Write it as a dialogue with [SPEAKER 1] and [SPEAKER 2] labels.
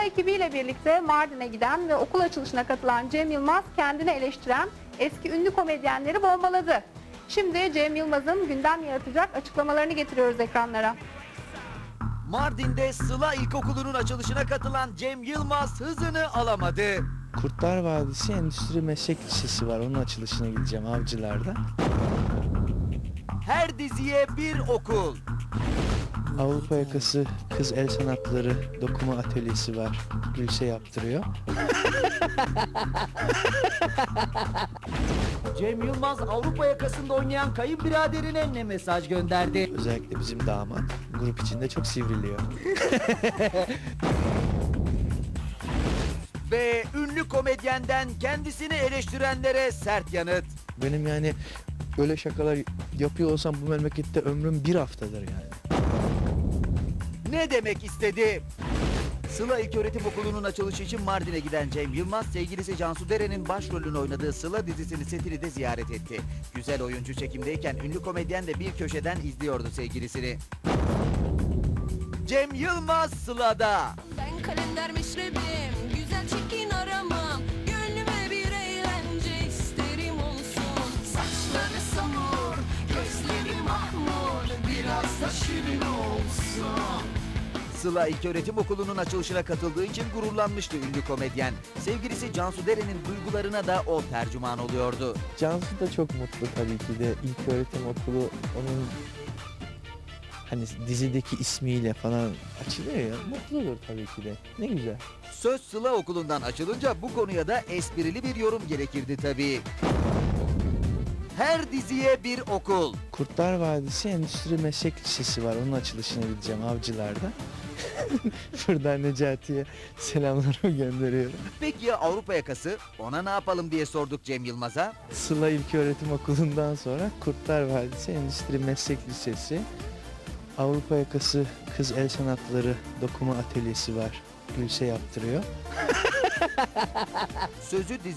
[SPEAKER 1] ekibiyle birlikte Mardin'e giden ve okul açılışına katılan Cem Yılmaz kendini eleştiren eski ünlü komedyenleri bombaladı. Şimdi Cem Yılmaz'ın gündem yaratacak açıklamalarını getiriyoruz ekranlara.
[SPEAKER 2] Mardin'de Sıla İlkokulu'nun açılışına katılan Cem Yılmaz hızını alamadı.
[SPEAKER 3] Kurtlar Vadisi Endüstri Meslek Lisesi var. Onun açılışına gideceğim Avcılar'da.
[SPEAKER 2] Her diziye bir okul.
[SPEAKER 3] Avrupa Yakası Kız El Sanatları Dokuma Atölyesi var. Gülse yaptırıyor.
[SPEAKER 2] Cem Yılmaz Avrupa yakasında oynayan kayınbiraderine ne mesaj gönderdi?
[SPEAKER 3] Özellikle bizim damat grup içinde çok sivriliyor.
[SPEAKER 2] Ve ünlü komedyenden kendisini eleştirenlere sert yanıt.
[SPEAKER 3] Benim yani böyle şakalar yapıyor olsam bu memlekette ömrüm bir haftadır yani.
[SPEAKER 2] Ne demek istedi? Sıla İlköğretim Okulu'nun açılışı için Mardin'e giden Cem Yılmaz, sevgilisi Cansu Deren'in başrolünü oynadığı Sıla dizisinin setini de ziyaret etti. Güzel oyuncu çekimdeyken ünlü komedyen de bir köşeden izliyordu sevgilisini. Cem Yılmaz Sıla'da.
[SPEAKER 4] Ben kalender meşrebim, güzel çirkin aramam. Gönlüme bir eğlence isterim olsun. Saçları samur, gözleri mahmur, biraz da şirin olsun.
[SPEAKER 2] Sıla İlköğretim Okulu'nun açılışına katıldığı için gururlanmıştı ünlü komedyen. Sevgilisi Cansu Deren'in duygularına da o tercüman oluyordu.
[SPEAKER 3] Cansu da çok mutlu tabii ki de. İlköğretim Okulu onun hani dizideki ismiyle falan açılıyor ya. Mutludur tabii ki de. Ne güzel.
[SPEAKER 2] Söz Sıla Okulu'ndan açılınca bu konuya da esprili bir yorum gerekirdi tabii. Her diziye bir okul.
[SPEAKER 3] Kurtlar Vadisi Endüstri Meslek Lisesi var. Onun açılışına gideceğim Avcılar'da. Buradan Necati'ye selamlarımı gönderiyorum.
[SPEAKER 2] Peki ya Avrupa yakası? Ona ne yapalım diye sorduk Cem Yılmaz'a.
[SPEAKER 3] Sıla İlköğretim Okulu'ndan sonra Kurtlar Vadisi Endüstri Meslek Lisesi, Avrupa Yakası Kız El Sanatları Dokuma Atölyesi var. Gülse yaptırıyor.
[SPEAKER 2] Sözü